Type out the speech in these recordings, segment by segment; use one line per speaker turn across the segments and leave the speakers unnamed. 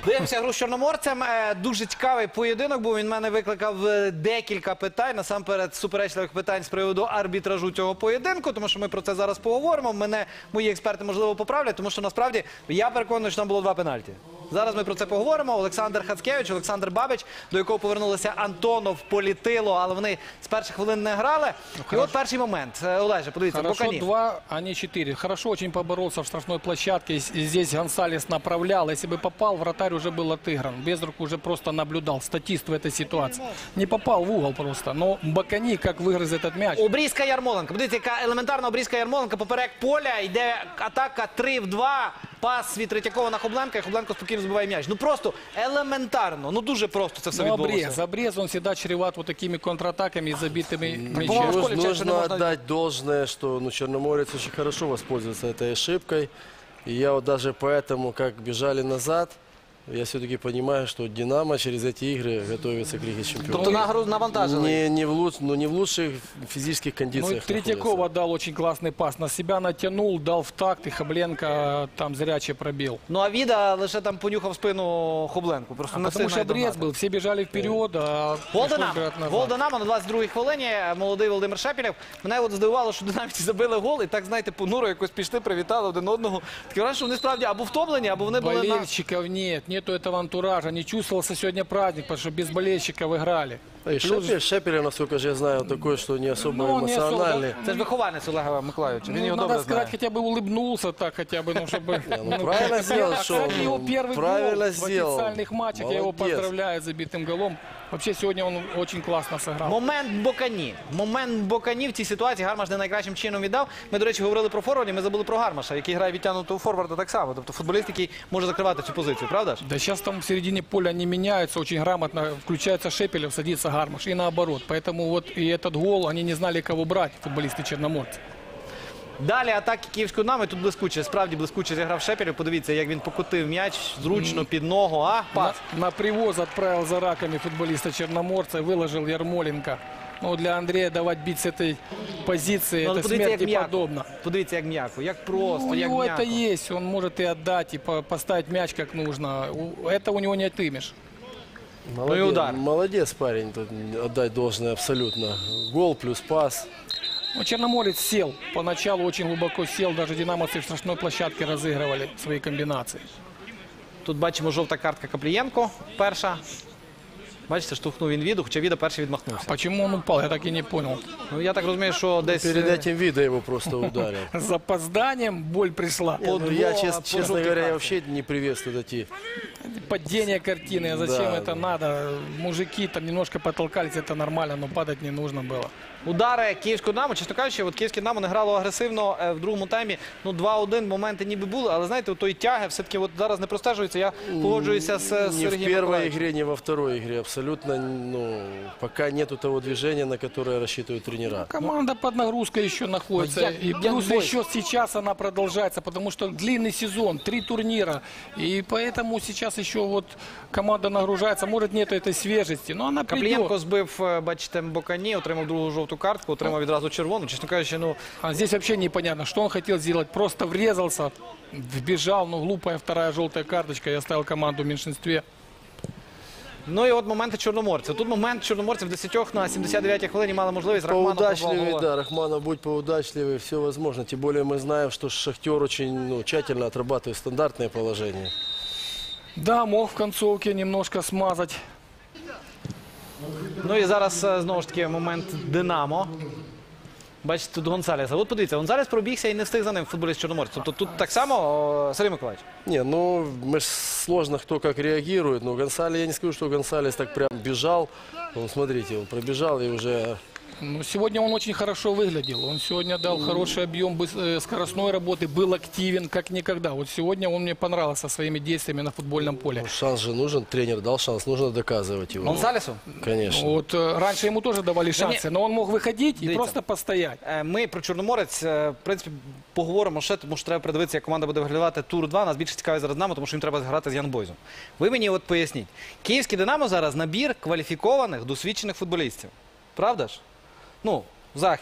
Дивимося гру з Чорноморцем. Дуже цікавий поєдинок був. Він мене викликав декілька питань. Насамперед, суперечливих питань з приводу арбітражу цього поєдинку, тому що ми про це зараз поговоримо. Мене мої експерти, можливо, поправлять, тому що, насправді, я переконаний, що там було 2 пенальті. Зараз ми про це поговоримо. Олександр Хацкевич, Олександр Бабич, до якого повернулися Антонов, Політило, але вони з перших хвилин не грали. І от перший момент. Олеже, подивіться,
Хорошо
Бокані.
2, а не 4. Хорошо очень поборолся в штрафной площадке. Здесь Гонсалес направлял. Если бы попал, вратарь уже был отыгран. Безрук уже просто наблюдал. Статист в этой ситуации. Не попал в угол просто. Но Бокані, как выгрыз этот мяч.
Обрізка Ярмоленка. Подивіться, яка елементарна обрізка Ярмоленка. Поперек поля. Йде атака 3 в 2. Пас від Третьякова на Хобленка. І Хобленко спокійно збиває м'яч. Ну просто елементарно. Ну дуже просто це все відбулося.
Обрез, он всегда чреват вот такими контратаками и забитыми мячами.
Нужно отдать должное, что Черноморец очень хорошо воспользовался этой ошибкой. И я вот даже поэтому, как бежали назад, я все-таки понимаю, что Динамо через эти игры готовится к Лиге Чемпионов.
Тобто навантажили.
Не в лучших физических
Ну,
кондициях.
Третьякова дал очень классный пас. На себя натянул, дал в такт, и Хобленко там зряче пробил.
Ну а Віда лише там понюхав спину Хобленку. Просто не
Потому что
сильно
обрез был, все бежали вперед, а
Гол
пришлось брать назад.
Динамо на 22-й хвилині. Молодий Володимир Шепелєв. Мене от здивувало, що динамівці забили гол и так, знаєте, понуро якось пішли, привітали один одного. Таке враження, що вони справді або втомлені, або вони були на...
Болельщиков нет, нету этого антуража. Не чувствовался сегодня праздник, потому что без болельщиков играли.
И Шепелев, насколько же я знаю, такой, что не особо
Ну, не особо,
эмоциональный.
Це ж вихованець Олега Миколайовича. Він
Ну,
його
надо
добре
сказать,
знає.
хотя бы улыбнулся так, хотя бы, ну, чтобы...
Правильно сделал, что
Кстати, его первый
правильно
гол в
сделал.
официальных матчах. Я его
Молодец.
поздравляю с забитым голом. Вообще, сегодня он очень классно сыграл.
Момент Бокані. Момент Бокані в цій ситуації Гармаш не найкращим чином віддав. Ми, до речі, говорили про форвардів, ми забули про Гармаша, який грає відтягнутого форварда так само. Тобто футболіст, який може закривати цю позицію, правда ж?
Да сейчас там в середине поля они меняются очень грамотно. Включается Шепелев, садится Гармаш и наоборот. Поэтому вот и этот гол, они не знали, кого брать, футболисты Черноморца.
Далі атаки Київського Динамо, тут блискуче, справді блискуче зіграв Шепелєв. Подивіться, як він покотив м'яч зручно під ногу, а пас.
На привоз отправил за раками футболиста Черноморца и выложил Ярмоленко. Ну, для Андрея давать бить с этой позиции, это смерти подобно.
Подивіться, як м'яко, як просто,
У
як
него
м'яко.
это есть, он может и отдать, и поставить мяч как нужно. Это у него не отымешь.
Молодец,
Ну и удар.
молодец парень, тут отдать должное абсолютно. Гол плюс пас.
Ну, Черноморец сел, поначалу очень глубоко сел, даже динамовцы в штрафной площадке разыгрывали свои комбинации.
Тут бачимо жовта картка Каплієнко, перша. Бачите, штовхнув він Віду, хоча Віда перший відмахнувся.
Почему он упал, я так и не понял.
Ну, я так розумію, що десь...
Перед этим Вида его просто ударил.
С запозданием боль пришла.
Ну, я,
по
честно
желтой
говоря, я
карте.
вообще не приветствую такие.
Падение картины, а зачем
Да,
это
да.
надо? Мужики там немножко потолкались, это нормально, но падать не нужно было.
Удари Київського Динамо, чесно кажучи, от Київське Динамо не грало агресивно в другому таймі. Ну, 2-1 моменти ніби були, але знаєте, от тої тяги все-таки от зараз не простежується. Я погоджуюся з
Ни в
Сергієм
первой
Миколаївичем.
игре, ни во второй игре. Абсолютно, ну, пока нету того движения, на которое рассчитывают тренера.
Команда под нагрузкой еще находится.
Ну,
И плюс еще сейчас она продолжается, потому что длинный сезон, 3 турнира. И поэтому сейчас еще вот команда нагружается. Может, нету этой свежести, но она
Каплієнко
придет.
збив, бачите, Бокані, отримав другу жовту картку, отримав відразу червону. Чесно кажучи, ну,
А здесь вообще непонятно, что он хотел сделать. Просто врезался, вбежал, ну глупая вторая желтая карточка. Я оставил команду в меньшинстве.
ну і от моменти Чорноморця. Тут момент Чорноморця в 10 на 79-й хвилині мали можливість. Рахманов пробував
Поудачливее,
гола.
да, Рахманов, будь поудачливее, все возможно. Тем более мы знаем, что Шахтер очень, ну, тщательно отрабатывает стандартное положение.
Да, мог в концовке немножко смазать.
Ну і зараз знову ж таки момент Динамо. Бачите, тут Гонсалеса. От подивіться, Гонсалес пробігся і не встиг за ним футболіст Чорноморця. Тобто тут так само, Сергій Миколаївич.
Не, ну, мы ж сложно кто как реагирует, но Гонсалес, я не скажу, что Гонсалес так прям бежал. Он, смотрите, он пробежал и уже...
Ну, сегодня он очень хорошо выглядел. Он сегодня дал хороший объем скоростной работы, был активен как никогда. Вот сегодня он мне понравился своими действиями на футбольном поле.
Ну, шанс же нужен, тренер дал шанс, нужно доказывать его.
Гонсалесу?
Конечно.
Вот раньше ему тоже давали шансы, но он мог выходить и
Дивіться.
просто постоять.
Ми про Чорноморець, в принципі, поговоримо ще, тому що треба передивитися, як команда буде виглядати тур 2. Нас більше цікавить зараз Динамо, тому що їм треба грати з Янбойзом. Ви мені от поясніть. Київський Динамо зараз набір кваліфікованих, досвідчених футболістів. Правда ж? Ну, захист.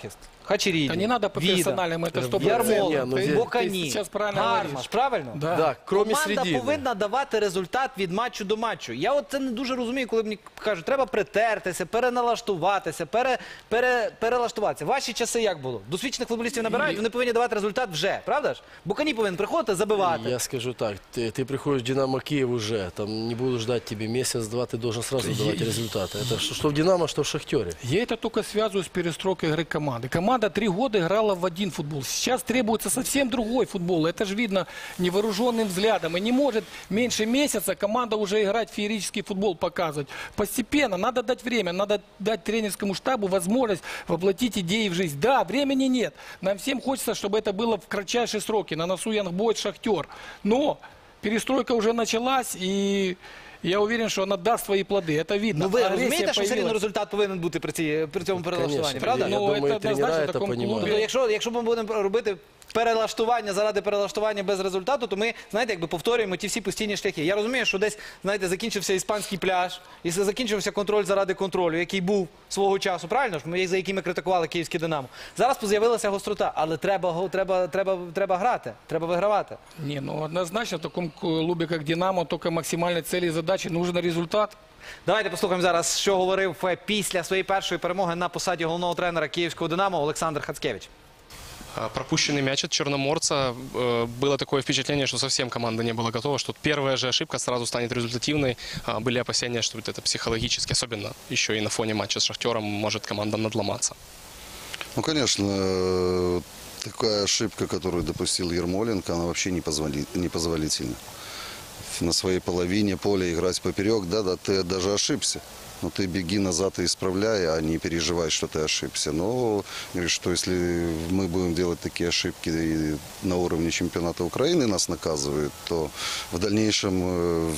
Хачеріді,
Да не надо по
Віда,
персональным, это 100%.
Ярмоленко,
Не, ну,
Бокані,
Сейчас правильно
Гармаш,
говоришь.
правильно?
Да.
Да, кроме
Команда
середины.
повинна давати результат від матчу до матчу. Я от це не дуже розумію, коли мені кажуть, треба притертися, переналаштуватися, перелаштуватися. Ваші часи як було? Досвідчених футболістів набирають, вони повинні давати результат вже, правда ж? Бокані повинен приходити, забивати.
Я скажу так, ты приходишь в «Динамо» Киев уже, там не буду ждать тебе месяц-два, ты должен сразу давать результаты. Это что в «Динамо», что в «Шахтере».
Я это только связываю с перестройкой игры команды. Команда 3 года играла в один футбол. Сейчас требуется совсем другой футбол. Это же видно невооруженным взглядом. И не может меньше месяца команда уже играть в феерический футбол, показывать. Постепенно, надо дать время, надо дать тренерскому штабу возможность воплотить идеи в жизнь. Да, времени нет. Нам всем хочется, чтобы это было в кратчайшие сроки. На носу Янгбойт, Шахтер. Но перестройка уже началась, и я уверен, что она даст свои плоды. Это видно.
Ну ви
Агрессия
розумієте, що все рівно
появилась.
результат повинен бути при цьому перелаштуванні,
Конечно,
правда?
я
Ну,
думаю,
это
и тренера
однозначно в
это
таком
понимают.
клубе.
Тобто, якщо ми будемо робити перелаштування заради перелаштування без результату, то ми, знаєте, якби повторюємо ті всі постійні шляхи. Я розумію, що десь, знаєте, закінчився іспанський пляж, і закінчився контроль заради контролю, який був свого часу, правильно ж? За який ми критикували київське «Динамо». Зараз з'явилася гострота, але треба грати, треба вигравати.
Не, ну однозначно в таком клубе, как «Динамо», только максимальной цели и задачи нужен результат.
Давайте послухаємо зараз, що говорив після своєї першої перемоги на посаді головного тренера київського «Динамо» Олександр Хацкевич.
Пропущенный мяч от Черноморца. Было такое впечатление, что совсем команда не была готова, что первая же ошибка сразу станет результативной. Были опасения, что это психологически, особенно еще и на фоне матча с Шахтером, может команда надломаться.
Ну, конечно, такая ошибка, которую допустил Ярмоленко, она вообще непозволительна. На своей половине поля играть поперек, да, ты даже ошибся. Но ты беги назад и исправляй, а не переживай, что ты ошибся. Но, говорю, что если мы будем делать такие ошибки и на уровне чемпионата Украины нас наказывают, то в дальнейшем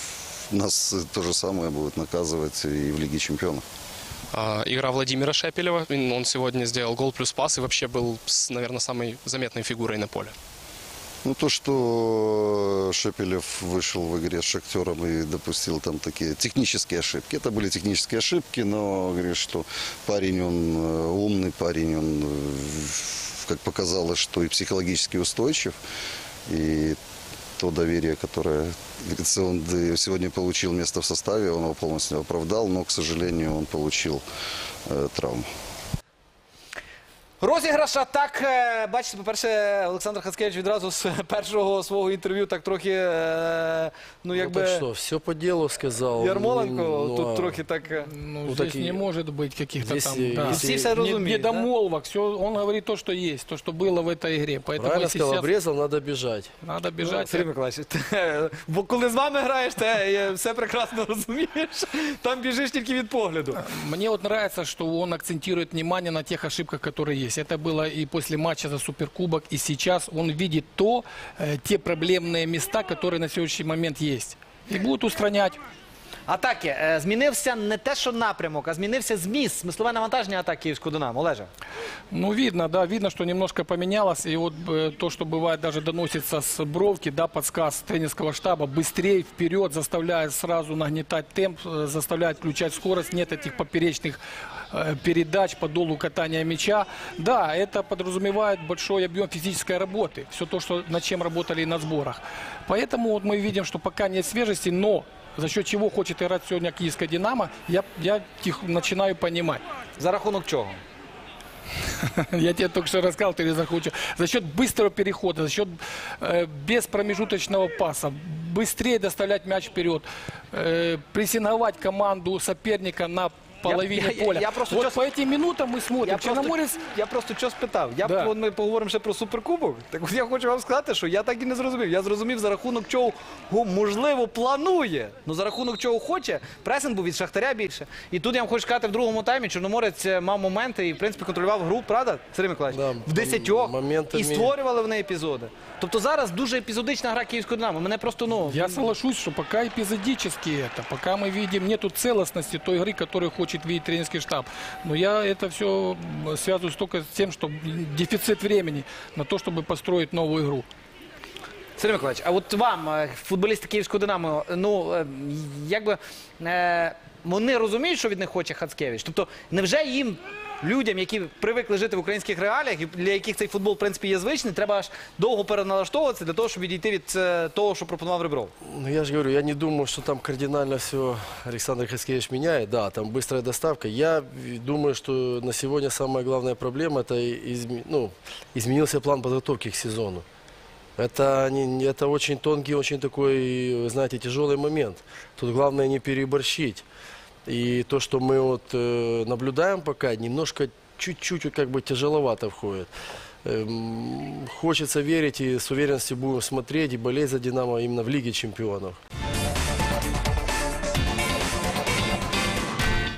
нас то же самое будут наказывать и в Лиге чемпионов.
Игра Владимира Шепелева. Он сегодня сделал гол плюс пас и вообще был, наверное, самой заметной фигурой на поле.
Ну, то, что Шепелев вышел в игре с «Шахтером» и допустил там такие технические ошибки. Это были технические ошибки, но, говорю, что парень, он умный парень, он, как показалось, что и психологически устойчив. И то доверие, которое, говорится, он сегодня получил место в составе, он его полностью оправдал, но, к сожалению, он получил травму.
Розіграш атак. Бачите, по-перше, Олександр Хацкевич відразу з першого свого інтерв'ю так трохи, ну
Ну,
якби,
так что, все по делу сказал.
Ярмоленко
Ну,
тут
а
трохи так...
Ну,
Ну,
здесь
так и-
не может быть каких-то
Здесь,
там...
если-
Все все розуміють, да?
Недомолвок. Все, он говорит то, что есть, то, что было в этой игре. Поэтому
Правильно
если
сказал,
сейчас
обрезал, надо бежать.
надо бежать.
Сергій Миколаївич, бо коли з вами граєш, ти все прекрасно розумієш. Там біжиш тільки від погляду.
Мне вот нравится, что он акцентирует внимание на тех ошибках, которые есть. Это было и после матча за Суперкубок, и сейчас он видит те проблемные места, которые на сегодняшний момент есть. И будут устранять.
Атаки. Змінився не те, що напрямок, а змінився зміст, смислове навантаження атак київського «Динамо». Олеже.
Ну, видно, да, видно, что немножко поменялось. И вот то, что бывает, даже доносится с бровки, да, подсказ тренерского штаба, быстрее вперед, заставляет сразу нагнетать темп, заставляет включать скорость, нет этих поперечных передач по долу катания мяча. Да, это подразумевает большой объем физической работы. Все то, что, над чем работали и на сборах. Поэтому вот мы видим, что пока нет свежести, но за счет чего хочет играть сегодня киевская «Динамо», я начинаю понимать.
За рахунок чого?
Я тебе только что рассказал, ты захочешь. За счет быстрого перехода, за счет беспромежуточного паса, быстрее доставлять мяч вперед, прессинговать команду соперника на половине поля.
я просто
вот
сейчас-
по этим минутам мы смотрим. Черноморец...
Я просто що спитав.
Да.
От ми поговоримо ще про Суперкубок. Так от я хочу вам сказати, що я так і не зрозумів. Я зрозумів, за рахунок чого, можливо, планує. Ну, за рахунок чого хоче. Пресинг був від Шахтаря більше. І тут я вам хочу сказати, в другому таймі Чорноморець мав моменти і, в принципі, контролював гру, правда, Сергій Миколаївич?
Да,
в 10
моментами-
і створювали вони епізоди. Тобто зараз дуже епізодична гра київського «Динамо». Мене просто, ну...
Я соглашусь, что пока эпизодически это, пока мы видим, нету целостности той игры, которую хочет видеть тренерский штаб. Но я это все связываю только с тем, что дефицит времени на то, чтобы построить новую игру.
Сергій Миколаївич, а от вам, футболісти київського «Динамо», ну, якби, вони розуміють, що від них хоче Хацкевич? Тобто, невже їм людям, які привикли жити в українських реаліях, і для яких цей футбол, в принципі, є звичний, треба аж довго переналаштовуватися для того, щоб відійти від того, що пропонував Ребров.
Ну, я же говорю, я не думаю, что там кардинально все Александр Хаскевич меняет. Да, там быстрая доставка. Я думаю, что на сегодня самая главная проблема – это изменился план подготовки к сезону. Это очень тонкий, очень такой, знаете, тяжелый момент. Тут главное не переборщить. И то, что мы вот наблюдаем пока, немножко, чуть-чуть как бы тяжеловато входит. Хочется верить и с уверенностью будем смотреть и болеть за «Динамо» именно в Лиге чемпионов.